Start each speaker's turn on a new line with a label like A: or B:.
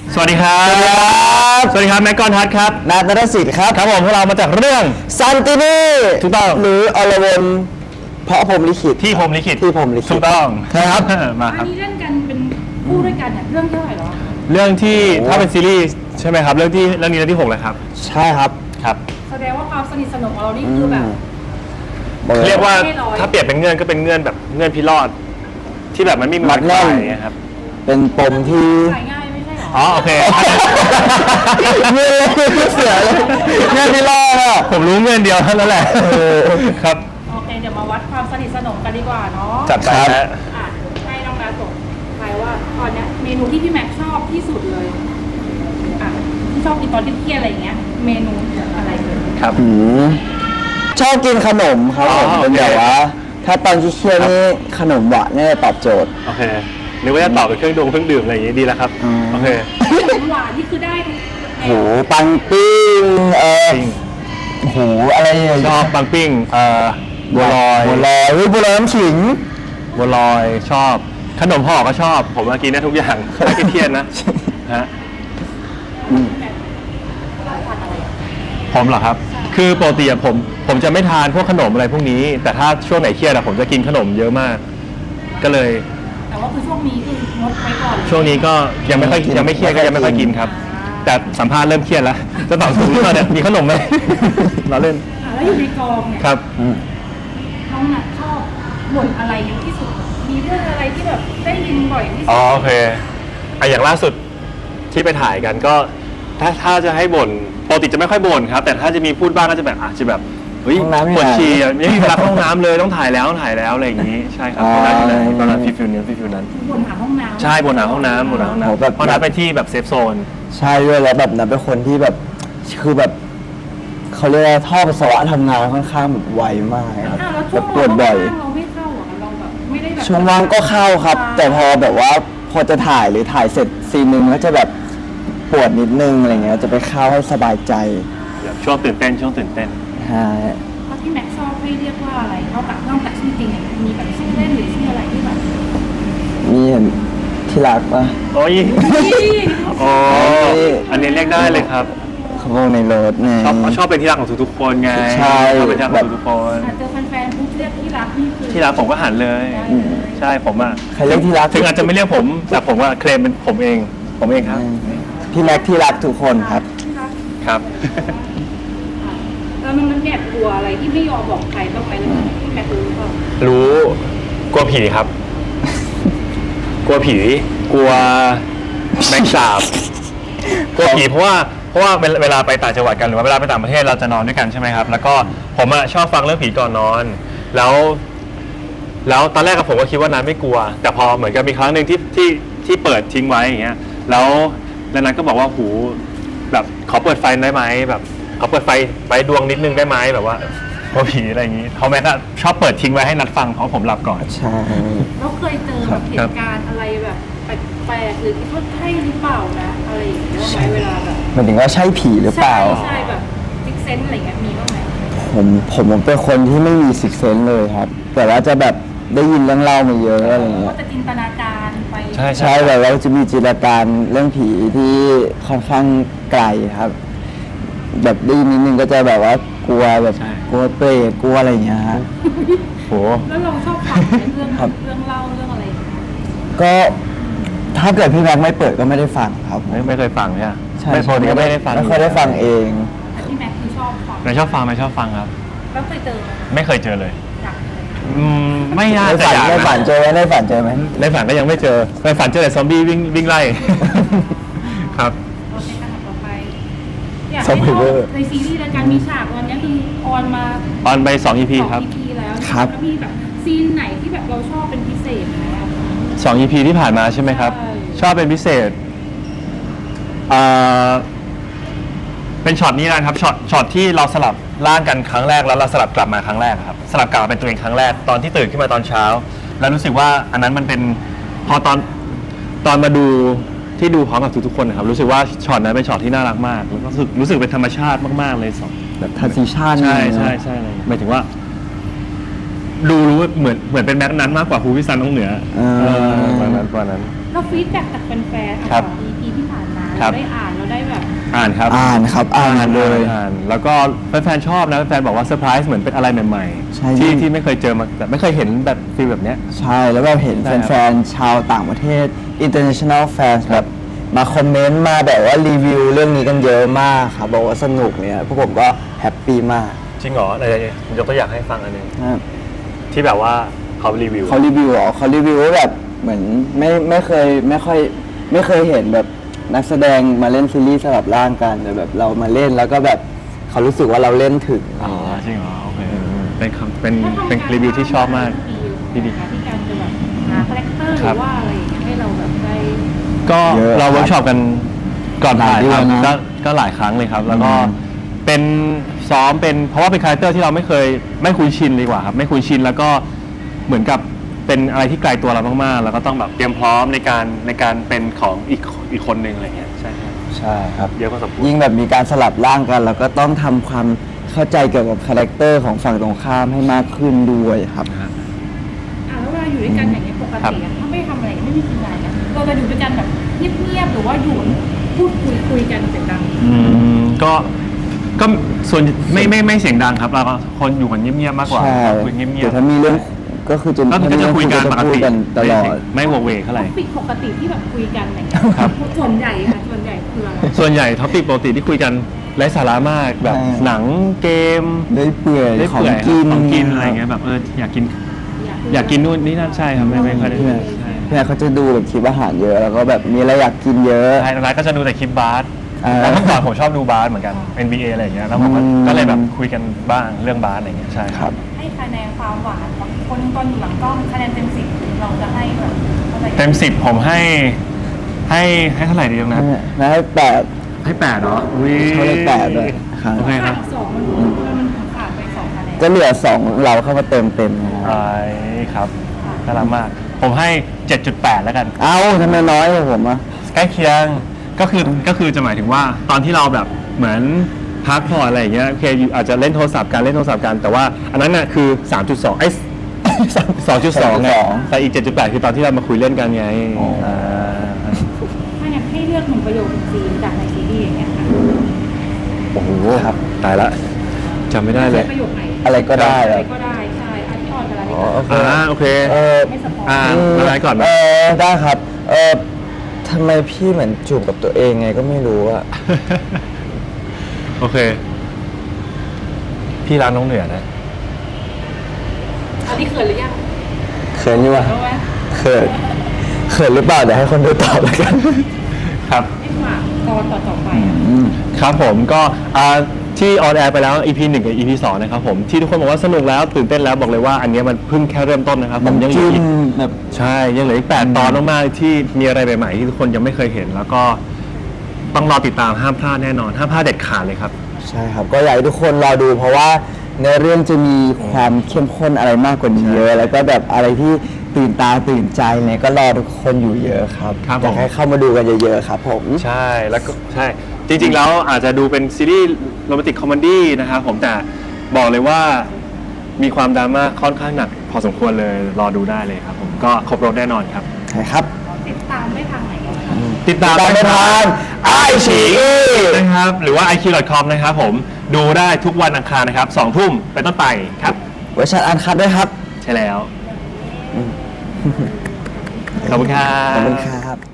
A: สวัสดีครับสวัสดีครับแม็กกอนทัศน์ครับ
B: นัทนรสิทธิ์ครับ
A: ครับผมพวกเรามาจากเรื่อง
B: ซันตินี
A: ถูกต้อง
B: หรืออรวนเพราะผมลิขิต
A: ที่ผมลิขิตถูกต้อง
B: ครับ
A: มาค
C: อั
A: รั
C: น
A: บ
C: นี้เล่นกันเป็นคู่ด้วยกันเนี่ยเรื่องเท่าไหร่หรอ
A: เรื่องที่ถ้าเป็นซีรีส์ใช่ไหมครับเรื่องนี้เรื่องที่6เลยครับ
B: ใช่ครับ
A: ครับ
C: แสดงว่าความสนิทสนมของเรานี่คือแบบ
A: เรียกว่า
C: ไม่ร้อย
A: ถ้าเปรียบเป็นเงื่อนก็เป็นเงื่อนแบบเงื่อนพิรอดที่แบบมันไม่มีวันคลายอย่างเงี้ยครับ
B: เป็นปมที่
C: ขายง่ายไม่ใช่หรอ
A: อ๋อโอเค
B: เงื่อนเสียเลยเงื่อนที่รอดอ่ะ
A: ผมรู้เงื่อนเดียวเท่านั้นแหละครับ
C: โอเคเดี๋ยวมาวัดความสนิทสนมกันดีกว่าเนาะ
A: จัดไปฮะ
C: อ่ะให้น้องนาส่งทายว่าตอนเนี้ยเมนูที่พี่แม็กซ์ชอบที่สุดเลยอ่ะที่ชอบกินตอนเครียดๆอะไรอย่างเงี้ยเมนูอะไรเลย
A: ครับ
B: ชอบกินขนมครับผม
A: อ๋อ
B: เป็น
A: โอเค
B: แบบว่า ถ้าตอนเครียดๆนี่ขนมหวานเนี่ยตอบโจทย์
A: โอเคหรือว่าจะตอบเป็นเครื่องดื่มอะไรอย่างงี้ดีแล้วครับโอเค
C: หวานนี่คือได้ทุกแน
B: โห
C: ว
B: ปังปิ้ง
A: ปิ้ง
B: โหอะไรเนี่ย
A: ชอบปังปิ้งบัวลอย
B: บัวลอยเฮ้ยบัวลอยน้ำขิง
A: บัวลอยชอบขนมห่อก็ชอบ ผมมากินได้ทุกอย่างไม่เครียดนะฮะผมเหรอครับ คือปกติอะผมจะไม่ทานพวกขนมอะไรพวกนี้ แต่ถ้าช่วงไหนเครียดอะผมจะกินขนมเยอะมาก ก็เลย
C: แต่ว่าคือช่วงนี้คืองดไว้ก่อน
A: ช่วงนี้ก็ยังไม่เครียดก็ยังไม่ค่อยกินครับ แต่สัมภาษณ์เริ่มเครียดแล้วจะตอบถูกหรือเปล่าเนี่ยมีขนมไหม เราเล่น
C: แล้วอยู่ในกองเนี่ย
A: ครับ
C: น้องนัทชอบบ่นอะไรเยอะที่สุด มีเรื่องอะไรที่แบบได้ยินบ่อยที่สุ
A: อ๋อ
C: ด
A: โอเคอย่างล่าสุดที่ไปถ่ายกันก็ถ้าจะให้บ่นปกติจะไม่ค่อยบ่นครับ แต่ถ้าจะมีพูดบ้างก็จะแบบอาจจะแบบเฮ้ย
B: ห้องน้ำไม่
A: ปวด
B: ไหน
A: ฉี่อะไม่มีเวลาเข้าห้องน้ำเลยต้องถ่ายแล้วอะไรอย่างนี้ใช่ครับตอนนั้นอยู่ไหนตอนนั้นฟิลนั้น
C: บ่นหาห้องน้ำ
A: ใช่บ่นหาห้องน้ำเพราะนั้นไปที่แบบเซฟโซน
B: ใช่ด้วยแล้วแบบนั้นเป็นคนที่แบบคือแบบเขาเรียกว่าท่อปัสสาวะทำงานค่อนข้างแบบไวมากครับ
C: อ้าวแล้ว
B: แบ
C: ช่ว
B: บ
C: ง
B: ปวดบ่อย
C: เราไม่เข้าอ่ะเราแบบไม่ได้แบบ
B: ช่วงว่างก็เข้าครับ แต่พอแบบว่าพอจะถ่ายหรือถ่ายเสร็จซีนหนึ่งก็จะแบบปวดนิดนึงอะไรเงี้ยจะไปเข้าให้สบายใจ
A: ช่วงตื่นเต้น
B: ใช่
C: เพราะที่แม็กซ์ชอบให้เรียกว่าอะไรนอกจากชื่อจริงเนี่ยมีแบบชื่อเล่นหรือชื่ออะไรที่แบบ
B: มีเห็นที่รักปะ
A: โอ้ย
C: นี่
A: โอ้อันนี้เรียกได้เลยครับ
B: เขาบอกในรถไง
A: ชอบเป็นที่รักของทุกๆคนไง
B: ใช่
A: ชอบเป็นที่รักของทุกๆคน
C: เจอแฟนๆปุ๊บเรียกที่รักนี่คือ
A: ที่รักผมก็หันเลย ใช่ผมอะ
B: ใครเรียกที่รัก
A: ถึงอาจจะไม่เรียกผมแต่ผมว่าเคลมเป็นผมเองครับ
B: พี่แม็กที่รักทุกคนครับ
C: ที่รัก
A: ครับ
C: แล้วมันแอบกลัวอะไรที่ไม่ยอมบอกใครบ้างไหมเลยที่แม็กซ์รู้หรือเปล่า
A: รู้กลัวผีครับ กลัวผีกลัวแมงสาบกลัวผีเพราะว่าเวลาไปต่างจังหวัดกันหรือว่าเวลาไปต่างประเทศเราจะนอนด้วยกันใช่ไหมครับ แล้วก็ผมอะชอบฟังเรื่องผีก่อนนอน แล้วตอนแรกกับผมก็คิดว่านั้นไม่กลัว แต่พอเหมือนกับมีครั้งหนึ่งที่เปิดทิ้งไว้อย่างเงี้ยแล้วนั้นก็บอกว่าหูแบบขอเปิดไฟได้ไหมแบบขอเปิดไฟดวงนิดนึงได้ไหมแบบว่าพอผีอะไรอย่างงี้เขาแม่ก็ชอบเปิดทิ้งไว้ให้นัดฟังเพราะผมหลับก่อน
B: ใช่
C: แล้วเคยเจอแบบเหตุการณ์อะไรแบบแปลกๆหรือคิดว่าใช่หรือเปล่านะอะไรอย่างเงี้ยไหมเวลาแบบ
B: หมายถึงว่าใช่ผีหรือเปล่า
C: ใช่แบบซิกเซนอะไรเงี้ยมีบ้างไหม
B: ผมเป็นคนที่ไม่มีซิกเซนเลยครับ แต่ว่าจะแบบได้ยินเรื่องเล่ามาเยอะอะไรเงี้
C: ก็
B: ย
C: จะจินตนาการไป
B: ใช่แบบว่าจะมีจินตนาการเรื่องผีที่ค่อนข้างไกลครับ แบบได้ยินนิดนึงก็จะแบบว่ากลัวแบบ
A: ใช่
B: กลัวเปรตกลัวอะไรอย่างเงี้ยฮะ
A: โห
C: แล้วเราชอบฟังไหมเรื่อง
B: ครับ
C: เรื่องเล่าเรื่องอะไรอย่างเงี้ย
B: ก็ถ้าเกิดพี่แม็กไม่เปิดก็ไม่ได้ฟังครับ
A: ไม่เคยฟังใช่ไหม
B: ใช่
A: ไม่ปกติก็ไม่ได้ฟัง
B: ไม่ค่อยได้ฟังเอง
C: แต่ที่แม็กซ์คือชอบฟัง
A: ไม่ชอบฟังครับ
C: แล้วเคยเจอไหม
A: ไม่เคยเจอเลย
C: อยากเจอ
A: ไม่น่า
B: ใน
A: จะ
B: ฝัน
A: อยาก
B: ในฝัน
A: นะ
B: เจอไหมในฝันเจอไหม
A: ในฝันก็ยังไม่เจอในฝันเจอแต่ซอมบี้วิ่งไล่ ครับ
C: โอเคขนาดต่อไปอยากให้เล่าในซีรีส์รายการมีฉากวันนี้คือออนมา
A: ออนไป2 EP ครับ
C: 2 EP แล้ว
B: ครับ
C: แล้วมีแบบซีนไหนที่แบบเราชอบเป็นพิเศษไหมอะ
A: 2 EP ที่ผ่านมาใช่ไหมครับ
C: ใช่
A: ชอบเป็นพิเศษเป็นช็อตนี้นะครับช็อตที่เราสลับร่างกันครั้งแรกแล้วเราสลับกลับมาครั้งแรกครับสลับกลับมาเป็นตัวเองครั้งแรกตอนที่ตื่นขึ้นมาตอนเช้า แล้วรู้สึกว่าอันนั้นมันเป็นพอตอนมาดูที่ดูพร้อมกับทุกๆคนนะครับรู้สึกว่าช็อตนั้นเป็นช็อตที่น่ารักมากแล้วก็รู้สึกเป็นธรรมชาติมากๆเลยสอง
B: แบบทันซีชั่น
A: ใช่เลยหมายถึงว่า ดูรู้เหมือนเป็นแม็กนั้นมากกว่าภูวิสันน้องเหนือประมาณนั้น
C: เราฟีดแบ็กจากแฟนๆ
A: ครับ
C: 2 EP ที่ผ่านมา
A: ครับ
C: ได้อ่านเราได้แบบ
A: อ่านครับ
B: อ่านครับอ่านเลย
A: อ่านแล้วก็แฟนๆชอบนะแฟนๆบอกว่าเซอร์ไพรส์เหมือนเป็นอะไรใหม่
B: ใช่
A: ๆที่ไม่เคยเจอมาแบบไม่เคยเห็นแบบฟีลแบบเนี้ย
B: ใช่แล้วแบบเห็น
A: ใช่ครับ
B: แฟนๆชาวต่างประเทศ international fans แบบมาคอมเมนต์มาแบบว่ารีวิวเรื่องนี้กันเยอะมากครับบอกว่าสนุกเนี่ยพวกผมก็แฮปปี้มาก
A: จริงเหรออะไรยกตัวอย่างให้ฟังอันหนึง
B: นะครับ
A: ที่แบบว่าเขารีวิว
B: เขารีวิวเหรอเขารีวิวว่าแบบเหมือนไม่เคยเห็นแบบนักแสดงมาเล่นซีรีส์สลับร่างกันแต่แบบเรามาเล่นแล้วก็แบบเขารู้สึกว่าเราเล่นถึง
A: อ๋อจริงเหรอโอเคเป็นคำเป็น
C: ถ้าทำ
A: เป็น
C: การ
A: รีวิวที่ชอบมาก
C: ดี
A: ดี
C: ๆที่การจะแบบหาคาแรคเตอร์ห
A: ครั
C: รื
A: บ
C: อว่าอะไรอย่างเงี้ยให้เราแบบได้
A: ก็
B: เยอะ
A: เราเวิร์กช็อปกันก่อนถ่าย
B: หลายเดื
A: ค
B: อ
A: รั
B: น
A: บ
B: นะ
A: ก็หลายครั้งเลยครับ แล้วก็
B: อืม
A: เป็นซ้อมเป็นเพราะว่าเป็นคาแรคเตอร์ที่เราไม่คุ้นชินดีกว่าครับไม่คุ้นชินแล้วก็เหมือนกับเป็นอะไรที่ไกลตัวเรามากๆ แล้วก็ต้องแบบเตรียมพร้อมในการเป็นของอีกคนหนึ่งอะไรเงี้ยใช่ครับ
B: ใช่ครับ
A: เยอะพอสมควร
B: ยิ่งแบบมีการสลับร่างกันเราก็ต้องทำความเข้าใจเกี่ยวกับคาแรคเตอร์ของฝั่งตรงข้ามให้มากขึ้นด้วยครับ
C: แล้วเวลาอยู่ด้วยกันอย่างเงี้ยปกติอะถ้าไม่ทำอะไรไม่มีทีมงานเนี่ยเราจะอยู่ด้วยกันแบบเงียบๆหรือว่าอยู่พูดคุยกันเสียงดัง
A: ก็ส่วนไม่เสียงดังครับเราก็คนอยู่กันเงียบๆมากกว่า
B: ใช่
A: คุยเงีย
B: แต่
A: บ
B: ถ้ามีเรื่องก็คือจะ
A: ๆก็จะคุยกันปก
B: พูด
A: ติ
B: กันตลอด
A: ไม่โวกเวกเท่าไหร่
C: ปิดปกติที่แบบคุยกันอะไรเงี้ย
A: ครับ
C: ส่วนใหญ่ค่ะส่วนใหญ่คืออะไร
A: ส่วนใหญ่ท็อปิกปกติที่คุยกันไร้สาระมากแบบ
B: ใช่
A: หนังเกม
B: ได้เปื่อย
A: ได้
B: ของ
A: เปื่อย
B: กิน
A: ของกินอะไรเงี้ยแบบอยากกินนู่นนี่นั่นใช่ครับไม่ค่อยได้
B: เพื่อน
A: ใช่
B: เพื่อนเขาจะดูแบบคลิปอาหารเยอะแล้วก็แบบมีอะไรอยากกินเยอะ
A: ใช่ร้านก็จะดูแต่คลิปบาส
B: อ่า
A: แล้วเมื่อก่อนผมชอบดูบาสเหมือนกัน NBA อะไรอย่างเงี้ยแล้วผมก็เลยแบบคุยกันบ้างเรื่องบาสอะไรเงี้ยใช่
B: ครับ
C: ให้คะแนนความหวานของคนตอนอยู่หลังกล้องคะแนนเต็ม10เราจะให้แบบเท่าไหร่
A: เต็ม10ผมให้เท่าไหร่ดีตรงนั้น
B: นะให้แปด
A: ให้8เนาะอุ้ย
B: เขาให้8ด้วยครับ
A: โอเคครับ
C: สองมันขาดไป2คะแนน
B: ก็เหลือ2เราเข้ามาเต็มนะครับ
A: ใช่ครับน่ารักมาก ผมให้ 7.8 แล้วกัน
B: เอ้าทำไมน้อยกว่าผมอ่ะ
A: ใกล้เคียงก็คือจะหมายถึงว่าตอนที่เราแบบเหมือนพักผ่อนอะไรอย่างเงี้ยโอเคอาจจะเล่นโทรศัพท์กันแต่ว่าอันนั้นน่ะคือ 3.2 2.2ไงแต่อีก 7.8 คือตอนที่เรามาคุยเล่นกันไง
B: อ๋ออ่
A: า
C: ถ้าอยากให้เลือก1ประโยคซีนจากในซีรีส์อย่างเงี้ยค่ะ
A: โอ้โหตายละจำไม่ได้เลย
C: ประโยคไหน
B: อะไรก็ได้
C: อะ
B: ค
C: ไร
B: รับ
C: ก็ได้ใช่อันที่ออนไปแล้ว
B: อ๋อโอเค
A: โอเค
C: ไม่สปอย
A: อะไรก่อนไหม
B: ได้ครับทำไมพี่เหมือนจูบกับตัวเองไงก็ไม่รู้อะ
A: โอเค พี่ร้านน้องเหนือนะ
C: อันนี้เขินหรือยัง
B: เขินอยู่วะ
C: รู้ไหม
B: เขินหรือเปล่าเดี๋ยวให้คนดูตอบแล้วกัน
A: ครับ
C: ให้ฝากตอนต่อไปอะ
A: ครับผมก็ที่ออนแอร์ไปแล้ว EP 1 กับ EP 2 นะครับผมที่ทุกคนบอกว่าสนุกแล้วตื่นเต้นแล้วบอกเลยว่าอันเนี้ยมันเพิ่งแค่เริ่มต้นนะครับผมยังเหลืออีก
B: แบบ
A: ใช่ยังเหลืออีก8 ตอนมากๆที่มีอะไรใหม่ๆที่ทุกคนยังไม่เคยเห็น แล้วก็ต้องรอติดตามห้ามพลาดแน่นอนห้ามพลาดเด็ดขาดเลยครับ
B: ใช่ครับ ก็อยากให้ทุกคนรอดูเพราะว่าในเรื่องจะมีความเข้มข้นอะไรมากกว่านี้เยอะ แล้วก็แบบอะไรที่ตื่นตาตื่นใจเนี่ยก็รอทุกคนอยู่เยอะครับ
A: ครับผม
B: อยากให้เข้ามาดูกันเยอะๆครับผม
A: ใช่แล้วก็ใช่จริงๆแล้วอาจจะดูเป็นซีรีส์โรแมนติกคอมเมดี้นะครับผมแต่บอกเลยว่ามีความดราม่าค่อนข้างหนักพอสมควรเลยรอดูได้เลยครับผมก็ครบรถแน่นอนครับ
B: ใช่ครับ
C: ติดตามได้ทางไหนอะคะ
A: ติดตาม
B: ติดตามได้ทาง iQIYI
A: นะครับหรือว่า iq.com นะครับผมดูได้ทุกวันอังคารนะครับ2 ทุ่มเป็นต้นไปครับ
B: เวอร์ชันอันคัดด้วยครับ
A: ใช่แล้ว ขอบคุณครับ
B: ขอบคุณครับ